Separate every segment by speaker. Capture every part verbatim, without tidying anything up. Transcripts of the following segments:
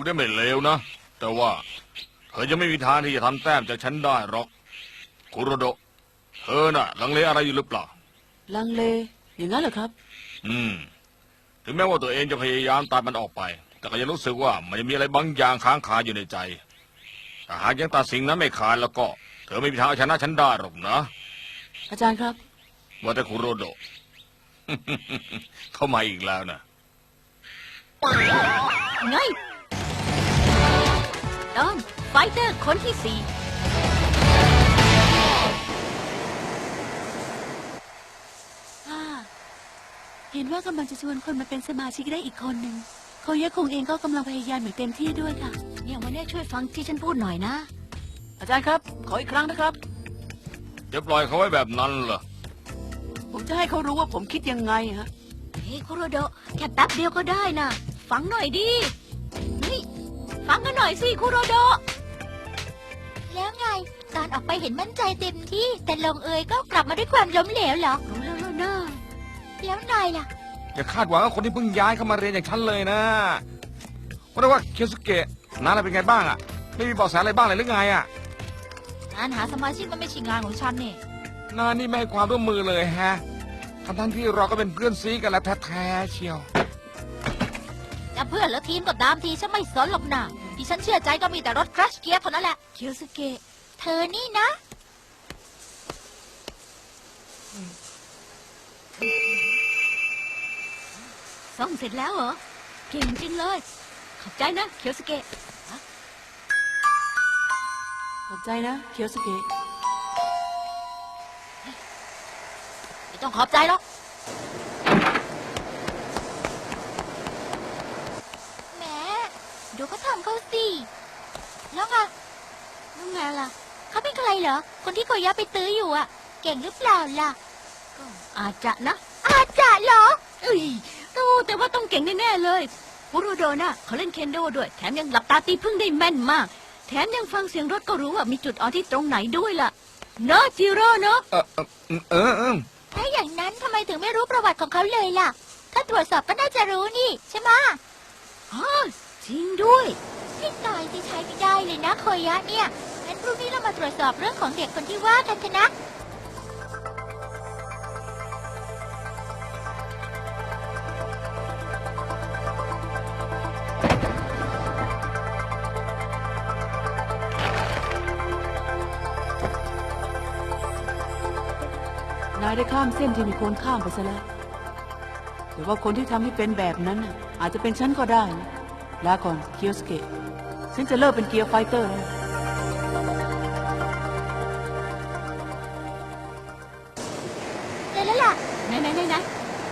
Speaker 1: ได้ไม่เลวนะแต่ว่าเธอจะไม่มีทางที่จะทำแต้มจากฉันได้หรอกคุโรโดะเธอน่ะลังเลอะไรอยู่หรือเปล่า
Speaker 2: ลังเลอย่างนั้นเหรอครับ
Speaker 1: อืมถึงแม้ว่าตัวเองจะพยายามตัดมันออกไปแต่ก็ยังรู้สึกว่ามันยังมีอะไรบางอย่างค้างคาอยู่ในใจถ้าหากยังตัดสิ่งนั้นไม่ขาดแล้วก็เธอไม่มีทางเอาชนะฉันได้หรอกนะ
Speaker 2: อาจารย์ครับ
Speaker 1: ว่าแต่คุโรโดะ เข้ามาอีกแล้วนะ
Speaker 3: ไงตอนไฟเตอร์คนที่สี่
Speaker 2: เห็นว่ากำลังจะชวนคนมาเป็นสมาชิกได้อีกคนหนึ่งโคยะคงเองก็กำลังพยายามอย่างเต็มที่ด้วยค่ะ
Speaker 3: เนี่ยวันนี้ช่วยฟังที่ฉันพูดหน่อยนะ
Speaker 2: อาจารย์ครับขออีกครั้งนะครับ
Speaker 1: จะปล่อยเขาไว้แบบนั้นเหรอ
Speaker 2: ผมจะให้เขารู้ว่าผมคิดยังไงฮะ
Speaker 3: เฮ้คุโรโดะแค่แป๊บเดียวก็ได้นะฟังหน่อยดินี่ฟังกันหน่อยสิคุโรโดะ
Speaker 4: แล้วไงตอนออกไปเห็นมั่นใจเต็มที่แต่ลงเอยก็กลับมาด้วยความล้มเหลวเหรอ
Speaker 3: รู้แล้วแล้วนะ
Speaker 4: แล้วนายล่ะ
Speaker 1: อย่าคาดหวังกับคนที่เพิ่งย้ายเข้ามาเรียนอย่างฉันเลยนะว่าแต่ว่าเคียวสุเกะน้าอะไรเป็นไงบ้างอ่ะไม่มีเบาะแสอะไรบ้างเลยหรือไงอ่ะ
Speaker 3: งานหาสมาชิกมันไม่ใช่งานของฉันนี่
Speaker 1: นานี่ไม่ให้ความร่วมมือเลยฮะทั้งทั้งที่เราก็เป็นเพื่อนซีกันแล้วแท้ๆเชียว
Speaker 3: จะเพื่อนหรือทีมก็ตามทีฉันไม่สนหรอกนะที่ฉันเชื่อใจก็มีแต่รถครัชเกียร์เท่านั้นแหละ
Speaker 4: เคียวสุเกะเธอนี่นะ
Speaker 3: ซ่อมเสร็จแล้วเหรอเก่งจริงเลยขอบใจนะเคียวสเกะ
Speaker 2: ขอบใจนะเคียวสเกะ
Speaker 3: ไม่ต้องขอบใจหรอก
Speaker 4: แหมดูเขาทำเขาสิแล้วไง
Speaker 3: แล้วไงล่ะ
Speaker 4: เขาเป็นใครเหรอคนที่โคยะไปตื้ออยู่อ่ะเก่งหรือเปล่าล่ะ
Speaker 3: ก็อาจจะนะ
Speaker 4: อาจจะเหรอ
Speaker 3: เอ้ยดูแต่ว่าต้องเก่งแน่ๆเลยคุโรโดะน่ะเขาเล่นเคนโดด้วยแถมยังหลับตาตีพึ่งได้แม่นมากแถมยังฟังเสียงรถก็รู้ว่ามีจุดอ่อนที่ตรงไหนด้วยล่ะเนอะจิโร่เนอะ
Speaker 1: เออเออเออเออ
Speaker 4: ถ้าอย่างนั้นทำไมถึงไม่รู้ประวัติของเขาเลยล่ะถ้าตรวจสอบก็น่าจะรู้นี่ใช่ไหม
Speaker 3: อ๋อจริงด้วย
Speaker 4: ให้ตายที่ใช้ไม่ได้เลยนะโคยะเนี่ยงั้นพรุ่งนี้เรามาตรวจสอบเรื่องของเด็กคนที่ว่ากันเถอะนะ
Speaker 2: นายได้ข้ามเส้นที่มีคนข้ามไปซะแล้วแต่ว่าคนที่ทำให้เป็นแบบนั้นอาจจะเป็นฉันก็ได้นะลาก่อนเคียวสเกะฉันจะเลิกเป็นเกียร์ไฟเตอร์แล้ว
Speaker 4: เจอแล้วล่ะ
Speaker 3: ไหนไหนไหนไหน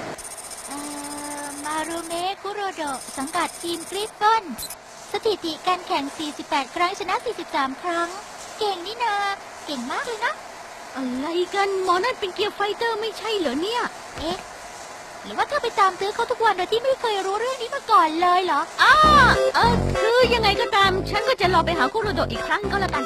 Speaker 4: มารุเมะคุโรโดะสังกัดทีมกริฟฟอนสถิติการแข่งสี่สิบแปดครั้งชนะสี่สิบสามครั้งเก่งนี่นาเก่งมากเลยนะ
Speaker 3: อะไรกันหมอนั่นเป็นเกียร์ไฟเตอร์ไม่ใช่เหรอเนี่ย
Speaker 4: เอ๊ะหรือว่าเธอไปตามตื้อเขาทุกวันโดยที่ไม่เคยรู้เรื่องนี้มาก่อนเลยเหรอ
Speaker 3: อ้าเออคือยังไงก็ตามฉันก็จะรอไปหาคุโรโดะอีกครั้งก็แล้วกัน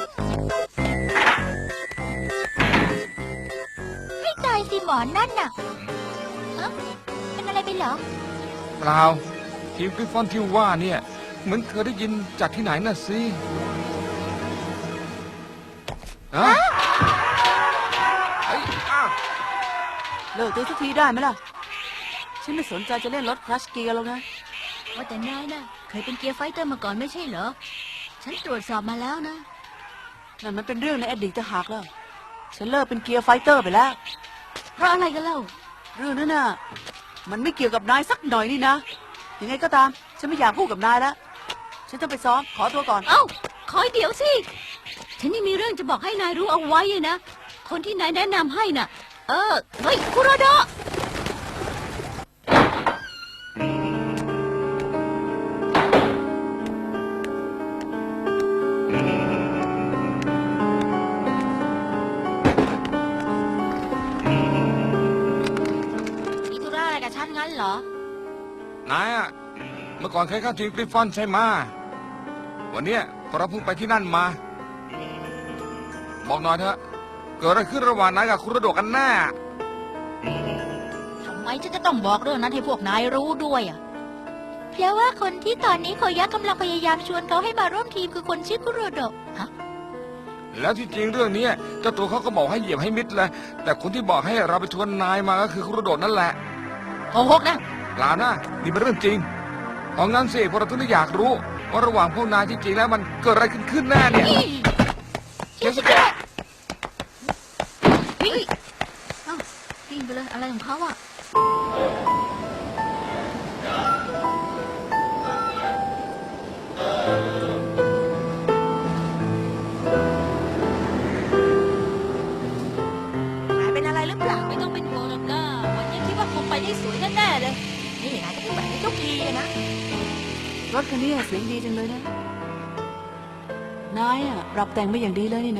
Speaker 4: ให้ตายสิหมอนั่นน่ะเอ๊ะเป็นอะไรไปเหรอ
Speaker 1: เปล่าทีมกริฟฟอนที่ว่าเนี่ยเหมือนเคยได้ยินจากที่ไหนน่ะสิฮะ
Speaker 2: เลิกตีสักทีได้ไหมล่ะฉันไม่สนใจจะเล่นรถคลัชเกียร์แล้วนะ
Speaker 3: ว่าแต่นายนะเคยเป็นเกียร์ไฟเตอร์มาก่อนไม่ใช่เหรอฉันตรวจสอบมาแล้วนะ
Speaker 2: นั่นมันเป็นเรื่องในอดีตจะหักแล้วฉันเลิกเป็นเกียร์ไฟเตอร์ไปแล้ว
Speaker 3: เพราะอะไรกันเล่า
Speaker 2: เรื่องนั้นน่ะมันไม่เกี่ยวกับนายสักหน่อยนี่นะยังไงก็ตามฉันไม่อยากพูดกับนายแล้วฉันต้องไปซ้อมขอตัวก่อน
Speaker 3: เอ้าคอยเดี๋ยวสิฉันยังมีเรื่องจะบอกให้นายรู้เอาไว้นะคนที่นายแนะนำให้น่ะเออเฮ้ยคุโรโดะมีธุระอะไรกับฉันงั้นเหร
Speaker 1: อนายอะเมื่อก่อนเคยเข้าทีมกริฟฟอนใช่ไหมวันนี้เราเพิ่งไปที่นั่นมาบอกหน่อยเถอะเกิดอะไรขึ้นระหว่างนายกับคุโรโดะกันแน่
Speaker 3: ทำไมฉันจะต้องบอกเรื่องนั้นให้พวกนายรู้ด้วยอ่ะ
Speaker 4: เพราะว่าคนที่ตอนนี้โคยะกำลังพยายามชวนเขาให้มาร่วมทีมคือคนชื่อคุโรโดะฮะ
Speaker 1: แล้วที่จริงเรื่องนี้เจ้าตัวเขาก็บอกให้เหยียบให้มิดเลยแต่คนที่บอกให้เราไปชวนนายมาก็คือคุโรโดะนั่นแหละ
Speaker 3: โกหกนะ
Speaker 1: เปล่านะนี่เป็นเรื่องจริงเอางั้นสิพวกเราถึงได้อยากรู้ว่าระหว่างพวกนายจริงๆแล้วมันเกิดอะไรขึ้นขึ้นแน่เนี่ย
Speaker 4: เคียวสเกะ
Speaker 3: วิ่งเอ้าวิ่งไปเลยอะไรของเขาอ่ะ
Speaker 4: นายเป็นอะไรหรือเปล่า
Speaker 3: ไม่ต้องเป็นห่วงหรอกนะวันนี้คิดว่าคงไปได้สวยแน่ๆเลย
Speaker 4: นี่นายก็พูดแบบนี้ทุกทีอะนะ
Speaker 2: รถคันนี้เสียงดีจังเลยนะ นายอ่ะปรับแต่งไม่อย่างดีเลยนี่นะ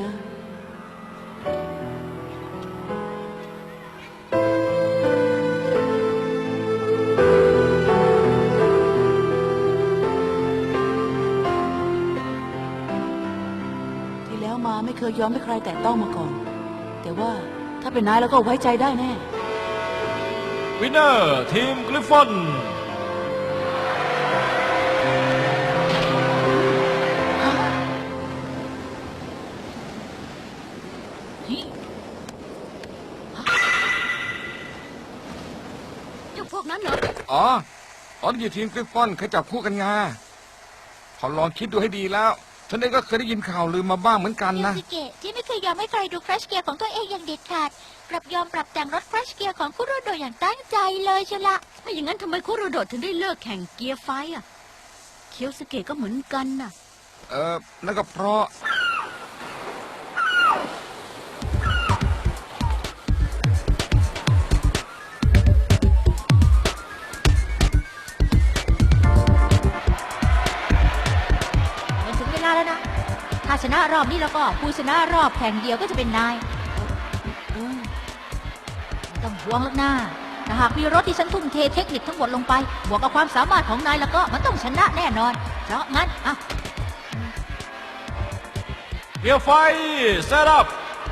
Speaker 2: ที่แล้วมาไม่เคยยอมให้ใครแตะต้องมาก่อน แต่ว่าถ้าเป็นนายแล้วก็ไว้ใจได้แน่
Speaker 5: วินเนอร์ทีมกริฟฟอน
Speaker 3: เจ้าพวกนั้นเหรอ
Speaker 1: อ๋อตอนอยู่ทีมกริฟฟอนเคยจับคู่กันไงพอลองคิดดูให้ดีแล้วฉันเองก็เคยได้ยินข่าวลือมาบ้างเหมือนกัน
Speaker 4: เคียว
Speaker 1: นะ
Speaker 4: สเกะที่ไม่เคยยอมให้ใครดูครัชเกียร์ของตัวเองอย่างเด็ดขาดกลับยอมปรับแต่งรถครัชเกียร์ของคุโรโดะอย่างตั้งใจเลยเชียวละ
Speaker 3: ถ้าอย่างนั้นทำไมคุโรโดะถึงได้เลิกแข่งเกียร์ไฟอ่ะ เคียวสเกะก็เหมือนกันน่ะ
Speaker 1: เออนั่นก็เพราะ
Speaker 4: มันถึงเวลาแล้วนะ ถ้าชนะรอบนี้แล้วก็ผู้ชนะรอบแข่งเดียวก็จะเป็นนาย
Speaker 2: อืม
Speaker 4: ไม่ต้องห่วงหรอกนะถ้าหากมีรถที่ฉันทุ่มเทเทคนิคทั้งหมดลงไป บวกกับความสามารถของนายแล้วก็มันต้องชนะแน่นอน เพราะงั้นอ่ะ
Speaker 5: เกียร์ไฟเซตอัพ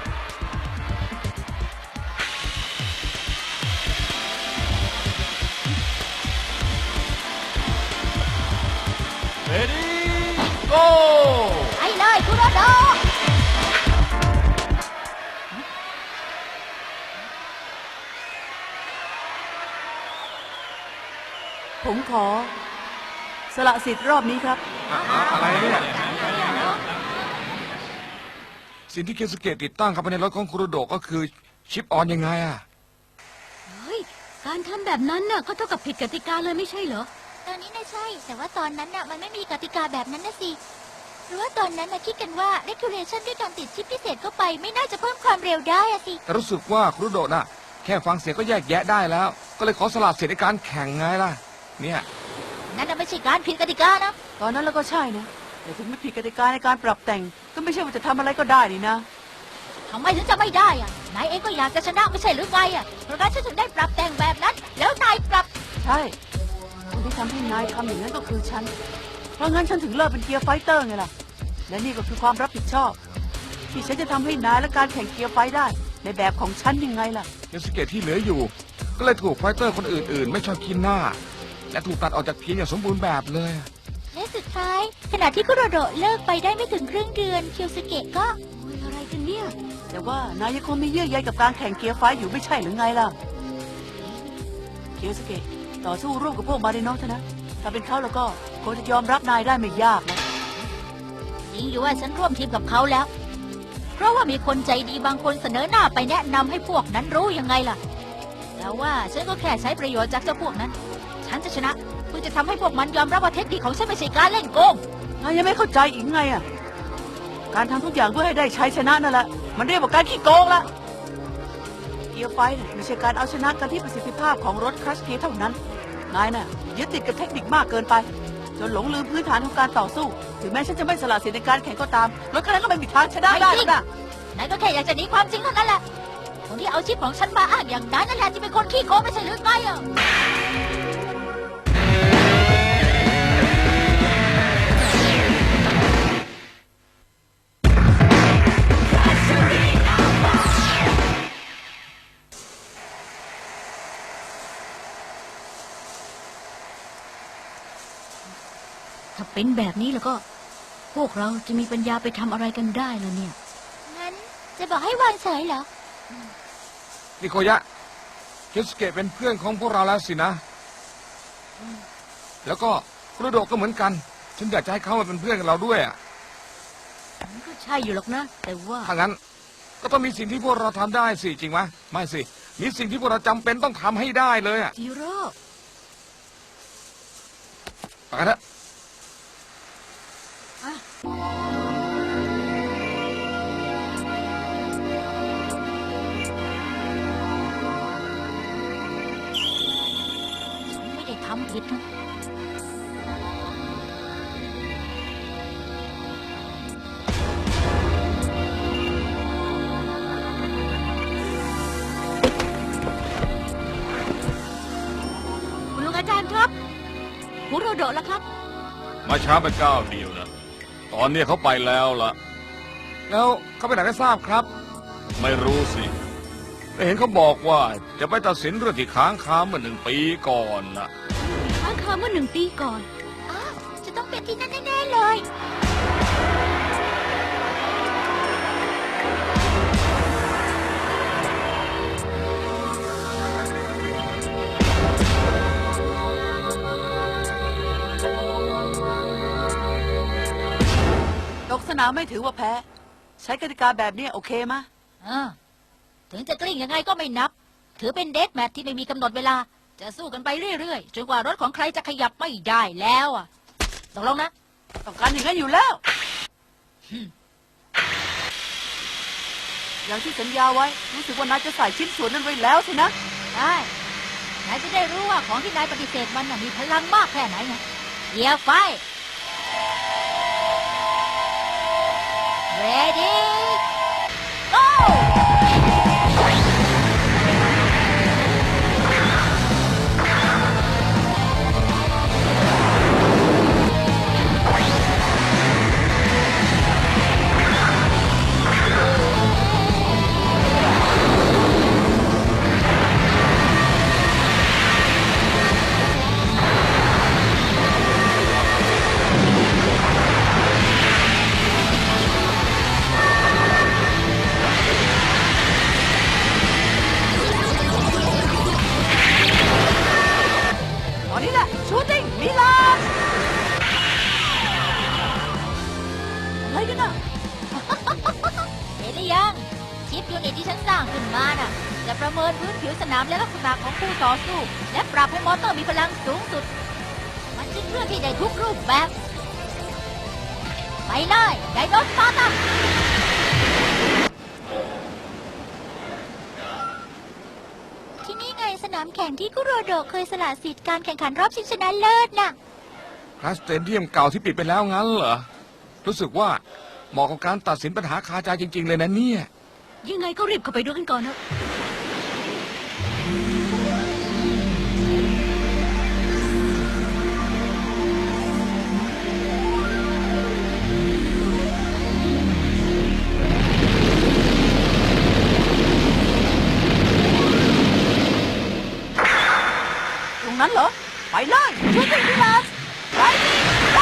Speaker 5: เรดี้โก
Speaker 4: ไปเลยคุโรโดะ
Speaker 2: ผมขอ สละสิทธิ์รอบนี้ครับ
Speaker 1: อะไรเนี่ยสิ่งที่เคนสเกตติดตั้งเข้าไปในรถของคุโรโดะก็คือชิปออนยังไงอะ
Speaker 3: เฮ้ย การทำแบบนั้นน่ะก็เท่ากับผิดกติกาเลยไม่ใช่เหรอ
Speaker 4: ตอนนี้น่ะใช่ แต่ว่าตอนนั้นน่ะมันไม่มีกติกาแบบนั้นนะสิหรือว่าตอนนั้นน่ะคิดกันว่า regulation ด้วยการติดชิปพิเศษเข้าไปไม่น่าจะเพิ่มความเร็วได้อะสิ
Speaker 1: แต่รู้สึกว่าคุโรโดะน่ะแค่ฟังเสียงก็แยกแยะได้แล้ว ก็เลยขอสละสิทธิ์ในการแข่งไงล่ะ เนี่ย
Speaker 4: นั่นน่ะไม่ใช่การผิดกติกานะ
Speaker 2: ตอนนั้นเราก็ใช่นะ แต่ถึงไม่ผิดกติกาในการปรับแต่ง ก็ไม่ใช่ว่าจะทำอะไรก็ได้นี่นะ
Speaker 4: ทำไมถึงจะไม่ได้อะนายเองก็อยากจะชนะไม่ใช่หรือไงอะเพราะงั้นฉันถึงได้ปรับแต่งแบบนั้น แล้วนายปรับ
Speaker 2: ใช่ คนที่ทำให้นายทำอย่างนั้นก็คือฉัน เพราะงั้นฉันถึงเลิกเป็นเกียร์ไฟเตอร์ไงล่ะ และนี่ก็คือความรับผิดชอบ ที่ฉันจะทำให้นายและการแข่งเกียร์ไฟได้ ในแบบของฉันยังไงล่ะ
Speaker 1: เคนสเกตที่เหลืออยู่ ก็เลยถูกไฟเตอร์คนอื่นๆ ไม่ชอบกินหน้า และถูกตัดออกจากทีมอย่างสมบูรณ์แบบเลย
Speaker 4: และสุดท้าย ขณะที่คุโรโดะเลิกไปได้ไม่ถึงครึ่งเดือนเคียวสเกะก็
Speaker 3: โอ้ยอะไรกันเนี่ย
Speaker 2: แต่ว่านายยังคงมีเยื่อใยกับการแข่งเกียร์ไฟอยู่ไม่ใช่หรือไงล่ะ เคียวสเกะต่อสู้ร่วมกับพวกมาริโนะเถอะนะ ถ้าเป็นเขาแล้วก็คงจะยอมรับนายได้ไม่ยากนะ
Speaker 4: จริงอยู่ว่าฉันร่วมทีมกับเขาแล้ว เพราะว่ามีคนใจดีบางคนเสนอหน้าไปแนะนำให้พวกนั้นรู้ยังไงล่ะ แต่ว่าฉันก็แค่ใช้ประโยชน์จากเจ้าพวกนั้น ฉันจะชนะเพื่อจะทำให้พวกมันยอมรับว่าเทคนิคของฉันไม่ใช่การเล่นโกง
Speaker 2: นายยังไม่เข้าใจอีกไงอ่ะ การทำทุกอย่างเพื่อให้ได้ชัยชนะนั่นแหละ มันเรียกว่าการขี้โกงละเกียร์ไฟน่ะไม่ใช่การเอาชนะกันที่ประสิทธิภาพของรถคลัชเกียร์เท่านั้น นายน่ะยึดติดกับเทคนิคมากเกินไป จนหลงลืมพื้นฐานของการต่อสู้ ถึงแม้ฉันจะไม่สละสิทธิ์ในการแข่งก็ตาม รถคันนั้นก็ไม่มีทางชนะได้หรอกนะ
Speaker 4: นายก็แค่อยากจะหนีความจริงเท่านั้นแหละ คนที่เอาชิปของฉันมาอ้างอย่างนั้นนั่นแหละที่เป็นคนขี้โกงไม่ใช่หรือไงอ่ะ
Speaker 3: ถ้าเป็นแบบนี้แล้วก็ พวกเราจะมีปัญญาไปทำอะไรกันได้ล่ะเนี่ย
Speaker 4: งั้นจะบอกให้วางเฉยเหรอ
Speaker 1: นิโคยะคิสเกะเป็นเพื่อนของพวกเราแล้วสินะ แล้วก็คุโรโดะก็เหมือนกัน ฉันอยากจะให้เขามาเป็นเพื่อนกับเราด้วยอะ
Speaker 3: มันก็ใช่อยู่หรอกนะ แต่ว่า
Speaker 1: ถ้างั้น ก็ต้องมีสิ่งที่พวกเราทำได้สิจริงไหมไม่สิ มีสิ่งที่พวกเราจำเป็นต้องทำให้ได้เลยอะ
Speaker 3: จิโร่
Speaker 1: ไปกันเถอะ
Speaker 4: ฉันไม่ได้ทำผิดนะ
Speaker 3: คุณลุงอาจารย์ครับคุโรโดะแล้วครับ
Speaker 1: มาช้าไปก้าวเดียวนะ ตอนนี้เขาไปแล้วล่ะ แล้วเขาไปไหนไม่ทราบครับ ไม่รู้สิแต่เห็นเขาบอกว่าจะไปตัดสินเรื่องที่ค้างคาเมื่อหนึ่งปีก่อนนะ
Speaker 3: ค้างคาเมื่อหนึ่งปีก่อน
Speaker 4: อ้าว จะต้องเป็นที่นั่นแน่ๆเลย
Speaker 2: ตกสนามไม่ถือว่าแพ้ ใช้กติกาแบบนี้โอเคมะ
Speaker 4: อ่าถึงจะกลิ้งยังไงก็ไม่นับ ถือเป็นเดทแมทที่ไม่มีกำหนดเวลา จะสู้กันไปเรื่อยๆ จนกว่ารถของใครจะขยับไม่ได้แล้วอ่ะตกลงนะ
Speaker 2: ต้องการอย่างนั้นอยู่แล้ว อย่างที่สัญญาไว้ รู้สึกว่านายจะใส่ชิ้นส่วนนั้นไว้แล้วสินะ
Speaker 4: ได้นายจะได้รู้ว่าของที่นายปฏิเสธมันน่ะมีพลังมากแค่ไหนไงเกียร์ไฟ ready go
Speaker 2: ตอนนี้แหละชูติ้งมิลาน อะไรกันน่ะ
Speaker 4: เห็นหรือยัง ชิปยูนิตที่ฉันสร้างขึ้นมาน่ะ จะประเมินพื้นผิวสนามและลักษณะของคู่ต่อสู้ และปรับให้มอเตอร์มีพลังสูงสุด มันจึงเคลื่อนที่ได้ทุกรูปแบบ ไปเลยไดโนสตาร์ ที่นี่ไงสนามแข่งที่คุโรโดะเคยสละสิทธิ์การแข่งขันรอบชิงชนะเลิศน่ะ
Speaker 1: คลาสสเตเดียมเก่าที่ปิดไปแล้วงั้นเหรอ รู้สึกว่าเหมาะกับการตัดสินปัญหาคาใจจริง ๆ เลยนะเนี่ย
Speaker 3: ยังไงก็รีบเข้าไปดูกันก่อนนะ
Speaker 2: ตรงนั้นเหรอ ไปเลยชูติ้งมิลานไปไป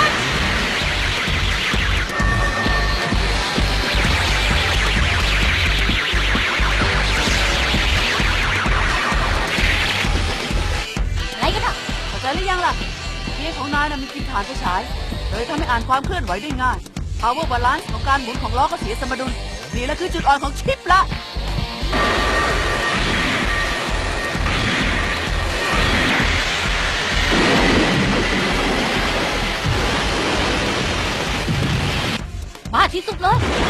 Speaker 4: อะไรกันอ่ะ
Speaker 2: เข้าใจหรือยังล่ะเกียร์ของนายน่ะมีกินฐานไฟฉายเลยทำให้อ่านความเคลื่อนไหวได้ง่าย power balance ของการหมุนของล้อก็เสียสมดุล นี่แหละคือจุดอ่อนของชิปละ
Speaker 4: บ้าที่สุดเลย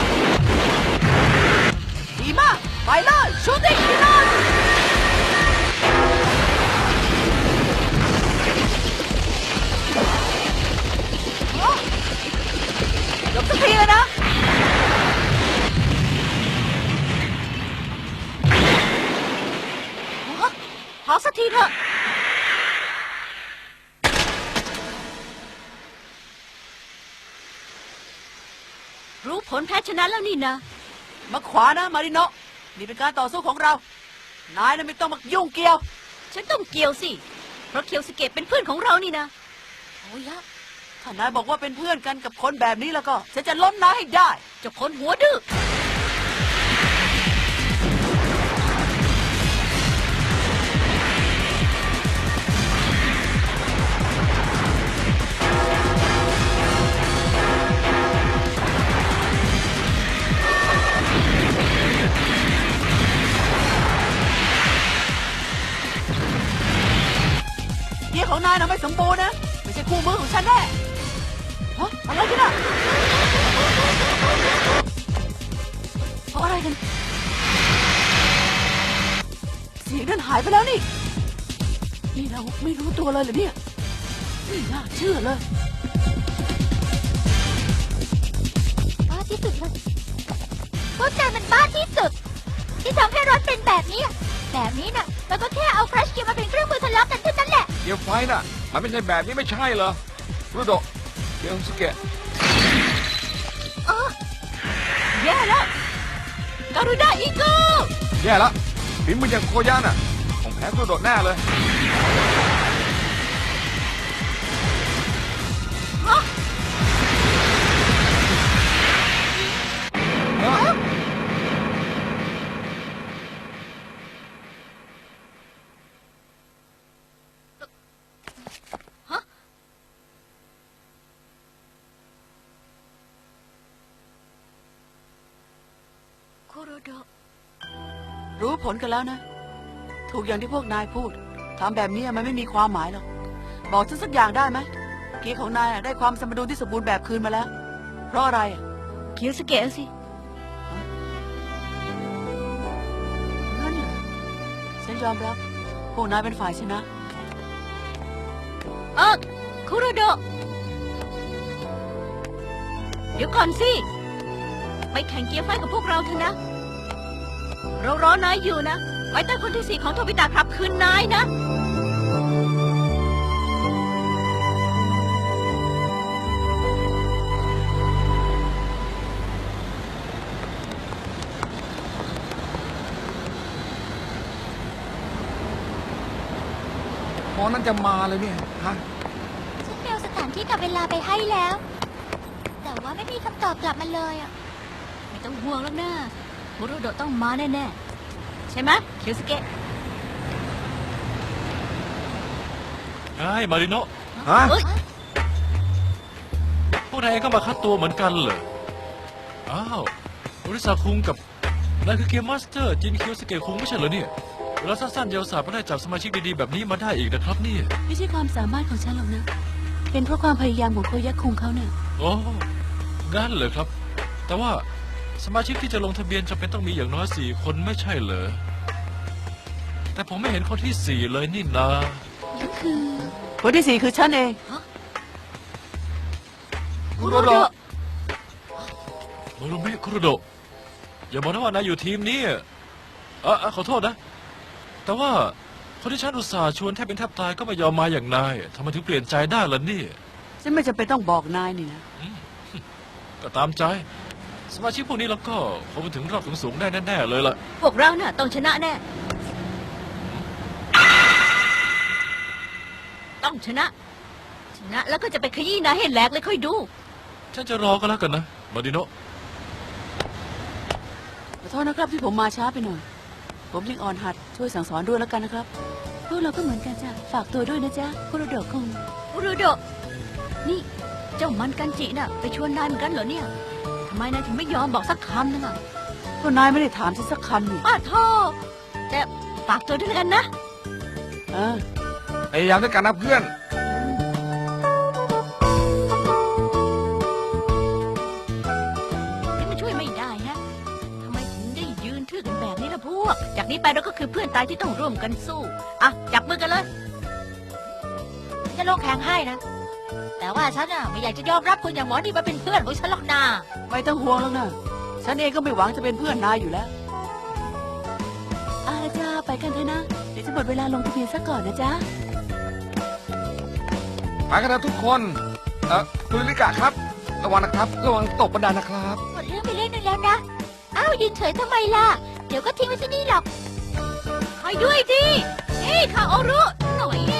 Speaker 2: ดีมาก ไปเลยชูติ้งมิลาน ยกสักทีเลยนะ
Speaker 3: พอสักทีเถอะ รู้ผลแพ้ชนะแล้วนี่นะ
Speaker 2: มาขวานะมาริโนะนี่เป็นการต่อสู้ของเรา นายน่ะไม่ต้องมายุ่งเกี่ยว
Speaker 3: ฉันต้องเกี่ยวสิ เพราะเคียวสเกตเป็นเพื่อนของเรานี่นะ
Speaker 4: โอ้ยะ
Speaker 2: ถ้านายบอกว่าเป็นเพื่อนกันกับคนแบบนี้แล้วก็ฉันจะล้มนายให้ได้
Speaker 3: เจ้าคนหัวดื้อ
Speaker 2: เกียร์ของนายนะไม่สมบูรณ์นะ ไม่ใช่คู่มือของฉันแน่ฮะอะไรกันอะเพราะอะไรกัน เสียงนั้นหายไปแล้วนี่ นี่เราไม่รู้ตัวเลยเหรอเนี่ยไม่น่าเชื่อเลย
Speaker 4: บ้าที่สุดเลยพวกนายมันบ้าที่สุด ที่ทำให้รถเป็นแบบนี้อะแบบนี้น่ะมันก็แค่เอาครัชเกียร์มาเป็นเครื่องมือทะเลาะกันเท่านั้นแหละ
Speaker 1: เกียร์ไฟน่ะ มันไม่ใช่แบบนี้ไม่ใช่เหรอรุโดะเกียร์สเกะ
Speaker 3: แย่แล้วการุด้าอีโก้
Speaker 1: แย่ละฝีมืออย่างโคย่าน่ะของแพ้รุโดะแน่เลย
Speaker 3: โคโรโดะ
Speaker 2: รู้ผลกันแล้วนะ ถูกอย่างที่พวกนายพูดทำแบบนี้มันไม่มีความหมายหรอก บอกฉันสักอย่างได้ไหมเกียร์ของนายอะได้ความสมดุลที่สมบูรณ์แบบคืนมาแล้ว เพราะอะไรอะ
Speaker 3: เคียวสเกะสิ
Speaker 2: นั่นเหรอฉันยอมรับ พวกนายเป็นฝ่ายชนะ
Speaker 3: เออโคโรโดะเดี๋ยวก่อนสิ ไปแข่งเกียร์ไฟกับพวกเราเถอะนะ เรารอนายอยู่นะ ไว้ใต้คนที่สี่ของโทบิตะครับคืนนายนะ
Speaker 1: พอนั้นจะมาเลยเนี่ยฮะ
Speaker 4: ฉันเมลสถานที่กับเวลาไปให้แล้ว แต่ว่าไม่มีคำตอบกลับมาเลยอ่ะ
Speaker 3: ไม่ต้องห่วงแล้วนะโคโรโดะต้องมาแน่ๆ ใช่ไหมเคียวสเกะ
Speaker 5: ไอ้มาริโนะ
Speaker 1: ฮะ
Speaker 3: เอ้ย
Speaker 5: พวกนายเองก็มาคัดตัวเหมือนกันเหรออ้าวบริษัทคุงกับนายคือเกมมาสเตอร์จินคิวสเกะคุงไม่ใช่เหรอเนี่ยเวลาสั้นๆเยาวสาวก็ได้จับสมาชิกดีๆแบบนี้มาได้อีกนะครับเนี่ย
Speaker 2: ไม่ใช่ความสามารถของฉันหรอกนะ เป็นเพราะความพยายามของโคยักคุงเขาเนี่ย
Speaker 5: โอ้งั้นเหรอครับ แต่ว่าสมาชิกที่จะลงทะเบียนจำเป็นต้องมีอย่างน้อยสี่คนไม่ใช่เหรอแต่ผมไม่เห็นคนที่สี่เลยนี่นา
Speaker 2: คนที่สี่คือฉันเอง
Speaker 3: โคโรโดะ
Speaker 5: โมโรเมะคุโรโดะอย่าบอกนะว่านายอยู่ทีมนี้เออเออขอโทษนะ แต่ว่าคนที่ฉันอุตส่าห์ชวนแทบเป็นแทบตายก็ไม่ยอมมาอย่างนายทำไมถึงเปลี่ยนใจได้ล่ะเนี่ย
Speaker 2: ฉันไม่จำเป็นต้องบอกนายนี่นะ
Speaker 5: ก็ตามใจ สมาชิกพวกนี้แล้วก็คงไปถึงรอบสูงๆได้แน่ๆเลยล่ะ
Speaker 3: พวกเราน่ะต้องชนะแน่ ต้องชนะ ชนะแล้วก็จะไปขยี้นายให้แหลกเลยค่อยดู
Speaker 5: ฉันจะรอก็แล้วกันนะมาดิโนะ
Speaker 2: ขอโทษนะครับที่ผมมาช้าไปหน่อย ผมยังอ่อนหัดช่วยสั่งสอนด้วยแล้วกันนะครับ พวกเราก็เหมือนกันจ้ะ ฝากตัวด้วยนะจ๊ะคุโรโดะคุง
Speaker 3: โคโรโดะนี่เจ้ามันกันจิน่ะ ไปชวนนายเหมือนกันเหรอเนี่ยทำไมนายถึงไม่ยอมบอกสักคำนึงอ่ะ
Speaker 2: ก็นายไม่ได้ถามฉันสักคำนี่
Speaker 3: ป้าโทแต่ฝากตัวด้วยแล้วกันนะ
Speaker 2: เออ
Speaker 1: พยายามด้วยกันนะเพื่อน
Speaker 3: นี่มันช่วยไม่ได้ฮะทำไมถึงได้ยืนทื่อกันแบบนี้ล่ะพวก จากนี้ไปเราก็คือเพื่อนตายที่ต้องร่วมกันสู้ อ่ะ จับมือกันเลย
Speaker 4: ฉันจะลงแข่งให้นะ แต่ว่าฉันอ่ะไม่อยากจะยอมรับคนอย่างหมอนี่มาเป็นเพื่อนของฉันหรอกนา
Speaker 2: ไม่ต้องห่วงแล้วนะฉันเองก็ไม่หวังจะเป็นเพื่อนนายอยู่แล้วอาละจ้าไปกันเถอะนะ เดี๋ยวจะหมดเวลาลงทะเบียนซะก่อนนะจ๊ะ
Speaker 1: ไปกันนะทุกคน เออคุณลิกะครับ ระวังนะครับ ระวังตกบันไดนะครับ
Speaker 4: หมดเรื่องไปเรื่องนึงแล้วนะ อ้าวยืนเฉยทำไมล่ะ เดี๋ยวก็ทิ้งไว้ที่นี่หรอก
Speaker 3: ไปด้วยดิเอ้ยคาโอรุหน่อย